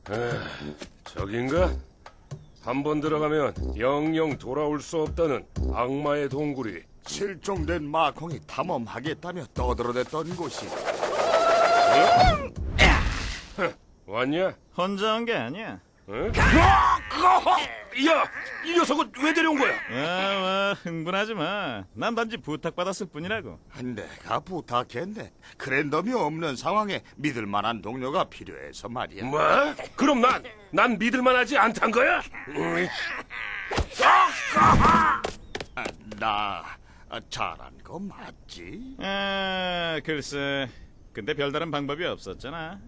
저긴가? 한 번 들어가면 영영 돌아올 수 없다는 악마의 동굴이. 실종된 마콩이 탐험하겠다며 떠들어댔던 곳이. 왔냐? 혼자 온 게 아니야. 응? 야, 이 녀석은 왜 데려온 거야? 와, 흥분하지 마. 난 단지 부탁받았을 뿐이라고. 내가 부탁했네. 그랜덤이 없는 상황에 믿을 만한 동료가 필요해서 말이야. 뭐? 그럼 난 믿을만하지 않단 거야? 나 잘한 거 맞지? 글쎄. 근데 별다른 방법이 없었잖아.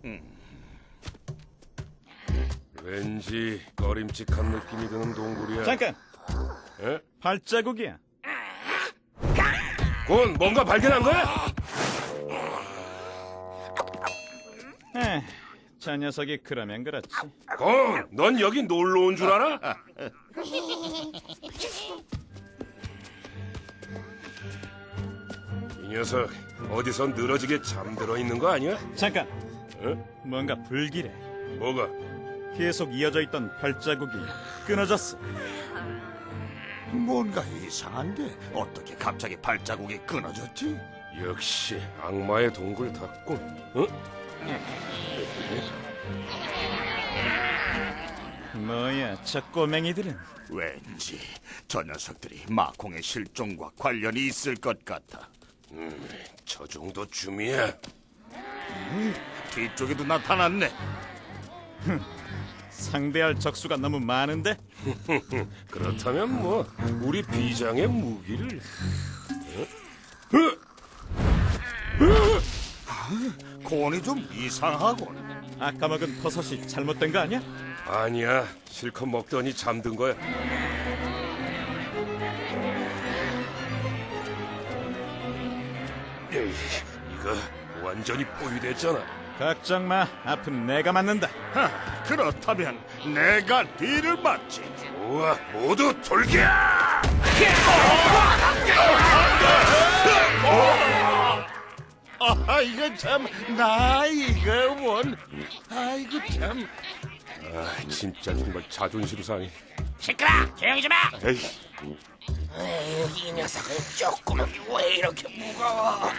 왠지 꺼림칙한 느낌이 드는 동굴이야. 잠깐. 에? 발자국이야. 곤, 뭔가 발견한 거야? 저 녀석이 그러면 그렇지. 곤, 넌 여기 놀러 온 줄 알아? 이 녀석 어디서 늘어지게 잠들어 있는 거 아니야? 잠깐. 에? 뭔가 불길해. 뭐가? 계속 이어져 있던 발자국이 끊어졌어. 뭔가 이상한데 어떻게 갑자기 발자국이 끊어졌지? 역시 악마의 동굴 닿군. 응? 뭐야, 저 꼬맹이들은. 왠지 저 녀석들이 마콩의 실종과 관련이 있을 것 같아. 저 정도 쯤이야. 뒤쪽에도 나타났네. 상대할 적수가 너무 많은데? 그렇다면 뭐 우리 비장의 무기를. 곤이 좀 이상하군. 아까 먹은 버섯이 잘못된 거 아니야? 아니야, 실컷 먹더니 잠든 거야. 에이, 이거 완전히 포위됐잖아. 걱정 마, 앞은 내가 맞는다. 그렇다면 내가 뒤를 맞지. 우와, 모두 돌게! 이거 참, 나 이거 원. 아이고 참. 아, 진짜 정말 자존심 상해. 시끄러! 조용히 좀 해! 에이, 에휴, 이 녀석은 조금은 왜 이렇게 무거워?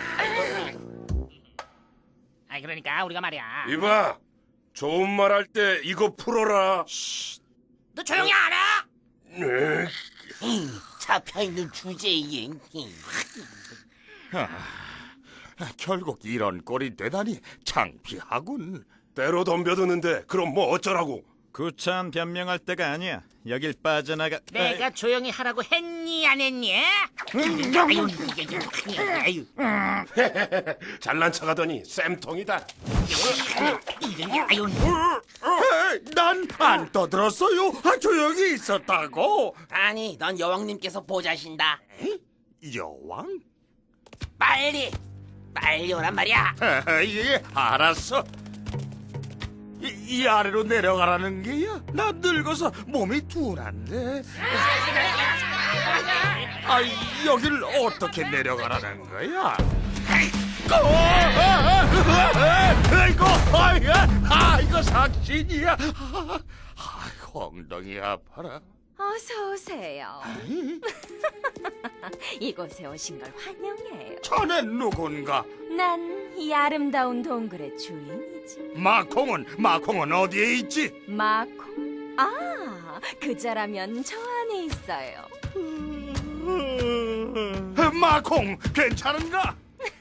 아이, 그러니까 우리가 말이야. 이봐, 좋은 말 할 때 이거 풀어라. 너 조용히 안 해? 네. 잡혀있는 주제에. 결국 이런 꼴이 되다니 창피하군. 때로 덤벼드는데 그럼 뭐 어쩌라고? 구차한 변명할 때가 아니야. 여길 빠져나가. 내가 조용히 하라고 했니, 안 했니? 아유, 아유, 잘난 척하더니 쌤통이다. 아유, 난 안 떠들었어요. 조용히 있었다고. 아니, 넌 여왕님께서 보자신다. 여왕? 빨리 오란 말이야. 예, 알았어. 이 아래로 내려가라는 게야? 나 늙어서 몸이 둔한데. 여길 어떻게 내려가라는 거야? 이거 삭신이야. 엉덩이 아파라. 어서 오세요. 이곳에 오신 걸 환영해요. 자넨 누군가? 난 이 아름다운 동굴의 주인이지. 마콩은 어디에 있지? 마콩? 그자라면 저 안에 있어요. 마콩, 괜찮은가?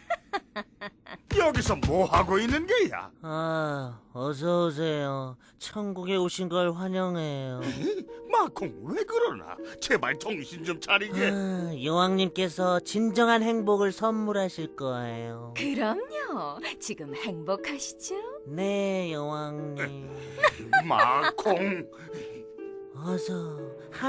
여기서 뭐 하고 있는 게야? 어서 오세요. 천국에 오신 걸 환영해요. 마콩, 왜 그러나? 제발 정신 좀 차리게. 여왕님께서 진정한 행복을 선물하실 거예요. 그럼요. 지금 행복하시죠? 네, 여왕님. 마콩. 어서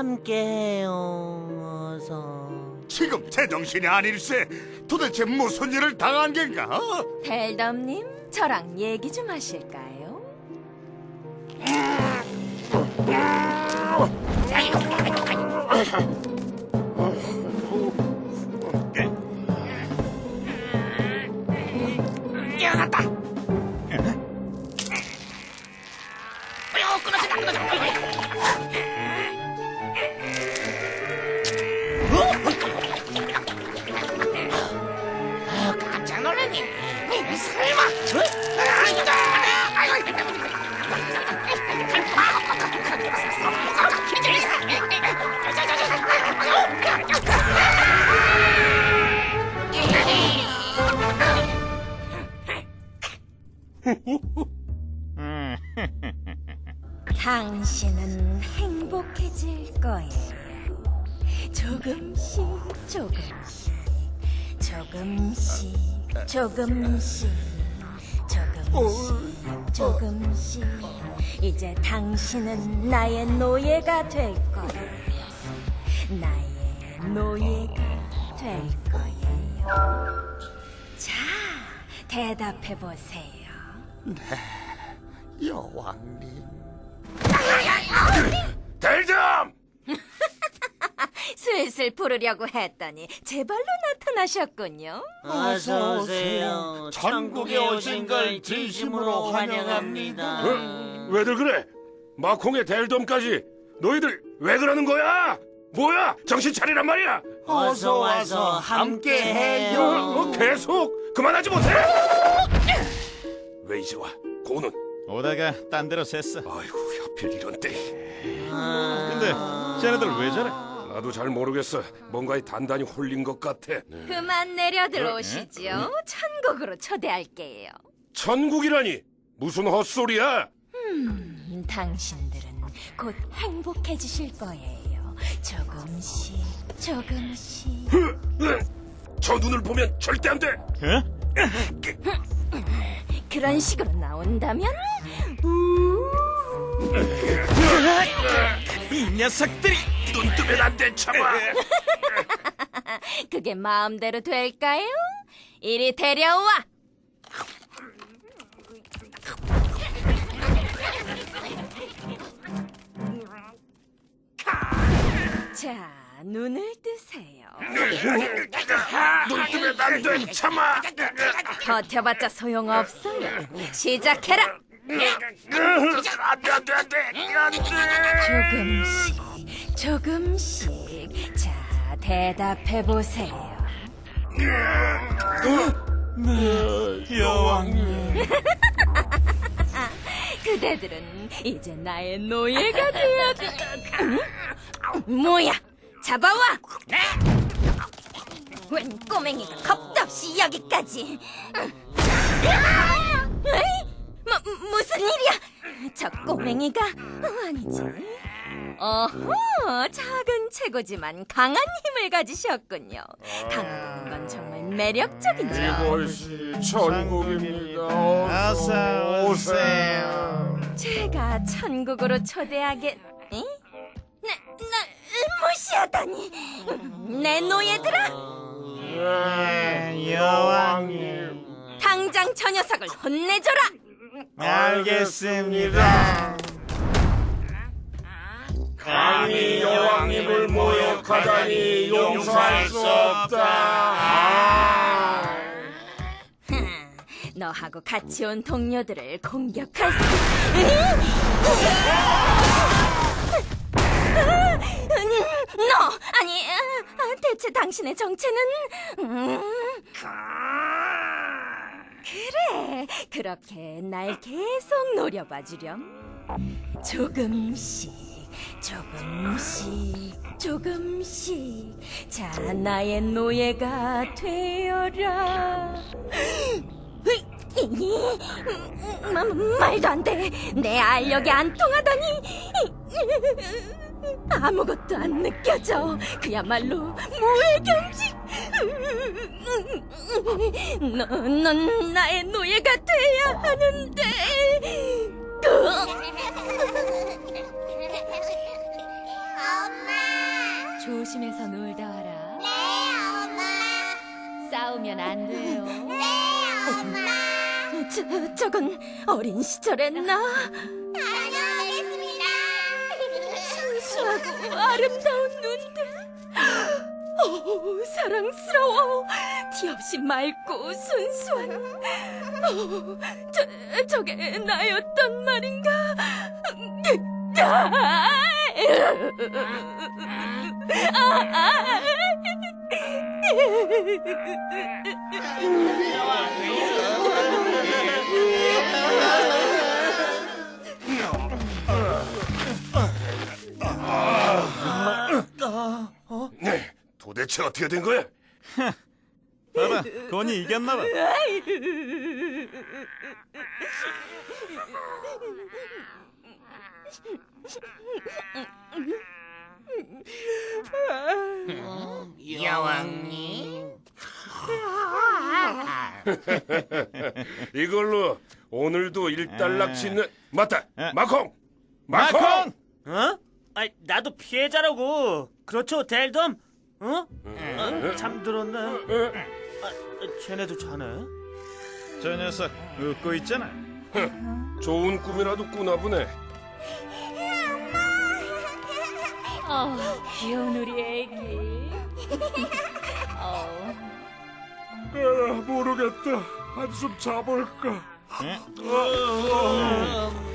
함께해요. 어서. 지금 제정신이 아닐세. 도대체 무슨 일을 당한 겐가? 벨덤님, 저랑 얘기 좀 하실까요? 뛰어났다. 당신은 행복해질 거예요. 조금씩 조금씩 조금씩 조금씩 조금씩 조금씩 이제 당신은 나의 노예가 될 거예요. 나의 노예가 될 거예요. 자, 대답해 보세요. 여왕님. 델담! 슬슬 부르려고 했더니 제 발로 나타나셨군요. 어서 오세요. 천국에 오신 걸 진심으로 환영합니다. 왜들 그래? 마콩의 델돔까지 너희들 왜 그러는 거야? 뭐야? 정신 차리란 말이야. 어서 와서 함께해요. 계속 그만하지 못해? 왜 이제 와? 고는? 오다가 딴 데로 샜어. 아이고 하필 이런 때. 근데 쟤네들 왜 저래? 나도 잘 모르겠어. 뭔가에 단단히 홀린 것 같아. 그만 내려 들어오시죠. 천국으로 초대할게요. 천국이라니 무슨 헛소리야? 당신들은 곧 행복해지실 거예요. 조금씩 조금씩. 저 눈을 보면 절대 안 돼. 어? 그런 식으로 나온다면 이 녀석들이! 눈 뜨면 안 돼, 참아. 그게 마음대로 될까요? 이리 데려와. 자, 눈을 뜨세요. 눈 뜨면 안 돼, 참아. 버텨봤자 소용없어요. 시작해라. 안 돼. 조금씩 조금씩. 자, 대답해 보세요. 여왕님. 그대들은 이제 나의 노예가 되어야 돼. 뭐야? 잡아와! 웬 꼬맹이가 겁도 없이 여기까지. 에이? 무슨 일이야? 저 꼬맹이가 아니지. 어허, 작은 체구지만 강한 힘을 가지셨군요. 강하다는 건 정말 매력적이죠. 이곳이 천국입니다. 어서 오세요. 제가 천국으로 초대하겠... 에? 나 무시하다니. 내 노예들아, 여왕님. 당장 저 녀석을 혼내줘라. 알겠습니다. 감히 여왕님을 모욕하다니 용서할 수 없다. 너하고 같이 온 동료들을 공격할 수... 너! 아니, 대체 당신의 정체는... 그래, 그렇게 날 계속 노려봐 주렴. 조금씩 조금씩 조금씩. 자, 나의 노예가 되어라. 말도 안 돼. 내 알력이 안 통하다니. 아무것도 안 느껴져. 그야말로 무해경직. 넌 나의 노예가 돼야 하는데. 엄마. 조심해서 놀다 와라. 네, 엄마. 싸우면 안 돼요. 네, 엄마. 저건 어린 시절의 나. 다녀오겠습니다. 순수하고 아름다운 눈들. 사랑스러워. 티 없이 맑고 순수한. 저게 나였단 말인가? 네, 도대체 어떻게 된 거야? 봐봐, 건이 이겼나봐. 여왕님. 이걸로 오늘도 일단락치는 맞다. 에. 마콩. 마콩! 어? 아, 나도 피해자라고. 그렇죠, 델덤? 어? 잠들었네. 쟤네도 자네? 저 녀석 웃고 있잖아. 좋은 꿈이라도 꾸나 보네. 귀여운 우리 애기. 모르겠다. 한숨 자볼까. 응?